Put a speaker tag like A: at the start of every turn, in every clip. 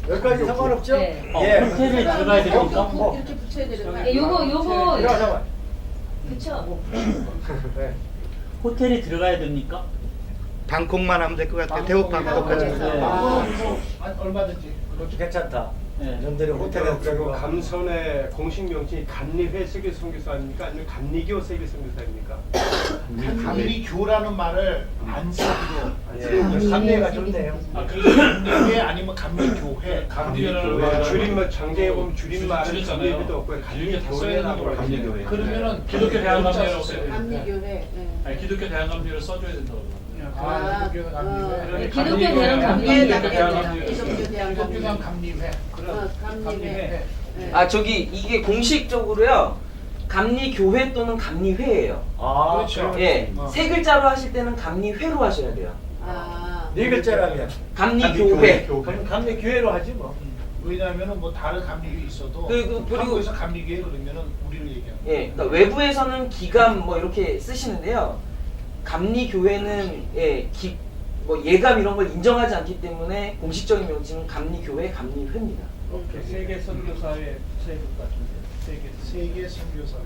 A: 여기까지 상관없죠?
B: 네.
A: 예.
C: 호텔에 들어가야 됩니까?
D: 이렇게 붙여야 되는 거
B: 예, 요거
A: 잠깐만.
B: 그쵸?
A: 네.
C: 호텔에 들어가야 됩니까?
E: 방콕만 하면 될 것 같아요. 태국 방콕까지.
C: 네.
F: 얼마든지.
A: 그것도 괜찮다.
C: 네.
A: 이런들이 호텔에
G: 그리고
A: 들어가고.
G: 감선의 공식 명칭이 감리회 세계 선교사 아닙니까? 아니면 감리교 세계 선교사입니까?
F: 감리교라는 말을 안 쓰기로.
A: 예. 감리가 좋네요.
F: 감리회 아니면 감리교회.
G: 줄임말 장제에 보면 줄임말은 감리회도 없고 감리교회라고
H: 감리교회.
G: 감리교회.
F: 그러면은
H: 기독교 대한감리회라고 써야 돼요.
D: 감리교회.
H: 아니 기독교 대한감리회를 써줘야 된다고.
F: 기독교 감리회.
B: 네, 기독교 대한 감리회.
D: 기독교
F: 기독교
D: 대한
F: 대한 감리회.
D: 감리회.
I: 아 저기 이게 공식적으로요 감리교회 또는 감리회예요.
A: 아,
F: 그렇죠.
I: 예, 세 글자로 하실 때는 감리회로 하셔야 돼요.
A: 네 글자라면.
I: 감리교회.
A: 그럼 감리교회로 하지 뭐.
F: 왜냐하면은 뭐 다른 감리회 있어도
I: 그리고
F: 한국에서 감리교회 그러면은 우리를 얘기하는 거예요.
I: 예, 그러니까 외부에서는 기감 뭐 이렇게 쓰시는데요. 감리교회는 뭐 예감 이런 걸 인정하지 않기 때문에 공식적인 명칭은 감리교회, 감리회입니다.
G: 세계 선교사회 세계 같은데.
F: 세계 선교사회.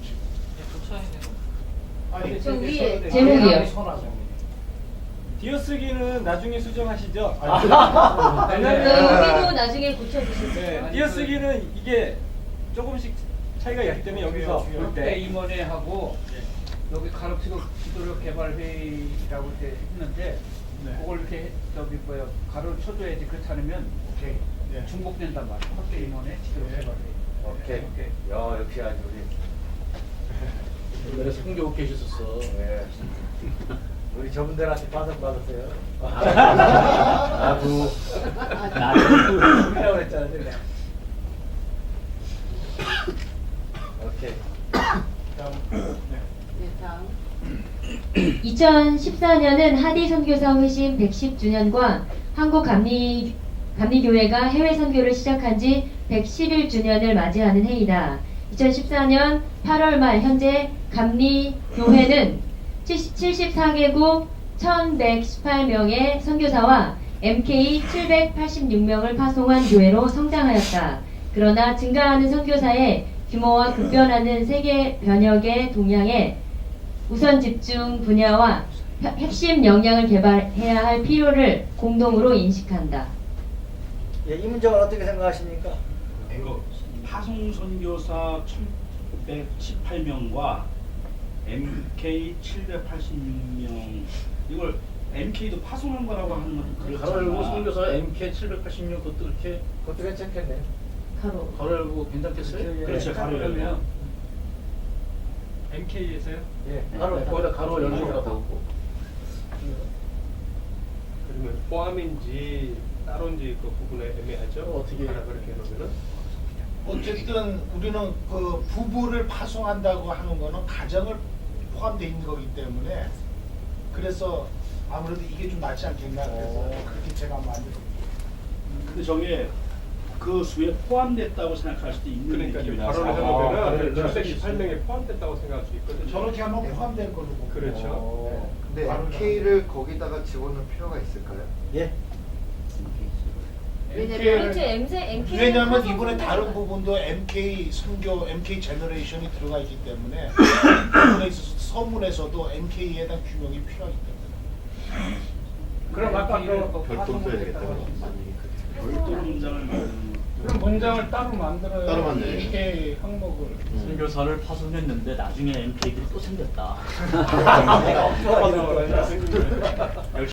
F: 아니
B: 저 위에
F: 세계
B: 제목이요.
F: 선화정.
J: 띄어쓰기는 나중에 수정하시죠?
B: 여기도 나중에 고쳐주실 거예요.
J: 네, 띄어쓰기는 이게 조금씩 차이가 있기 때문에 여기서 볼
H: 그때
J: 때
H: 임원회하고 여기 가르치고 기도력 개발 회의라고 이렇게 했는데 그걸 이렇게 저기 뭐야 가로를 쳐줘야지 그렇지 않으면
F: 오케이. 예.
H: 중복된단 말이야. 확대 임원회 기도력 개발 회의.
A: 오케이. 야, 역시 아주 우리.
C: 옛날에 성교 계셨었어.
A: 네. 우리 저분들한테 받았어요.
C: 나도
A: 우리라고 했잖아, 내가. 오케이.
D: 네, 다음.
B: 2014년은 하디 선교사 회심 110주년과 한국 감리교회가 해외 선교를 시작한 지 111주년을 맞이하는 해이다. 2014년 8월 말 현재 감리교회는 74개국 1118명의 선교사와 MK 786명을 파송한 교회로 성장하였다. 그러나 증가하는 선교사의 규모와 급변하는 세계 변혁의 동향에 우선 집중 분야와 핵심 역량을 개발해야 할 필요를 공동으로 인식한다.
A: 예, 이 문제는 어떻게 생각하십니까?
K: 이거 파송 선교사 1,118명과 MK 786명 이걸 MK도 파송한 거라고 하는 건 그렇잖아.
C: 가로열고 선교사 MK 786
A: 그것도 괜찮겠네.
B: 가로.
C: 가로열고 괜찮겠어요?
K: 그렇죠. 가로열고.
J: 그러면 MK에서요?
A: 예.
C: 가로 거기다 가로 열고 가고.
G: 그러면 포함인지 따로인지 그 부분에 애매하죠.
C: 어떻게
G: 하나 그렇게 해놓으면은.
F: 어쨌든 우리는 그 부부를 파송한다고 하는 거는 가정을 포함되어 있는 거기 때문에 그래서 아무래도 이게 좀 낫지 않겠나 그래서 그렇게 제가 만들었고.
K: 근데 저게 그 수에 포함됐다고 생각할 수도 있는
G: 그러니까
K: 느낌이
G: 바로
K: 나서.
G: 해놓으면은 718명에 포함됐다고 생각할 수 있거든요.
F: 저렇게 하면 포함된 걸로 보고.
G: 그렇죠.
L: 근데 MK를 거기다가 집어넣을 필요가 있을까요?
A: 예.
B: 그렇죠. MK
F: 왜냐하면 이번에 다른 부분도 MK 선교, MK 제너레이션이 들어가 있기 때문에 이 부분에 있어서 서문에서도 MK에 대한 규명이 필요하기 때문에.
J: 그럼 아까
L: 별도 써야겠다.
K: 별도 문장을 만드는
J: 그럼 문장을 따로 만들어요.
L: 따로 만들어요.
J: 이렇게 항목을.
C: 선교사를 파송했는데 나중에 MK들이 또 생겼다.
A: 내가 없어가지고.
C: 역시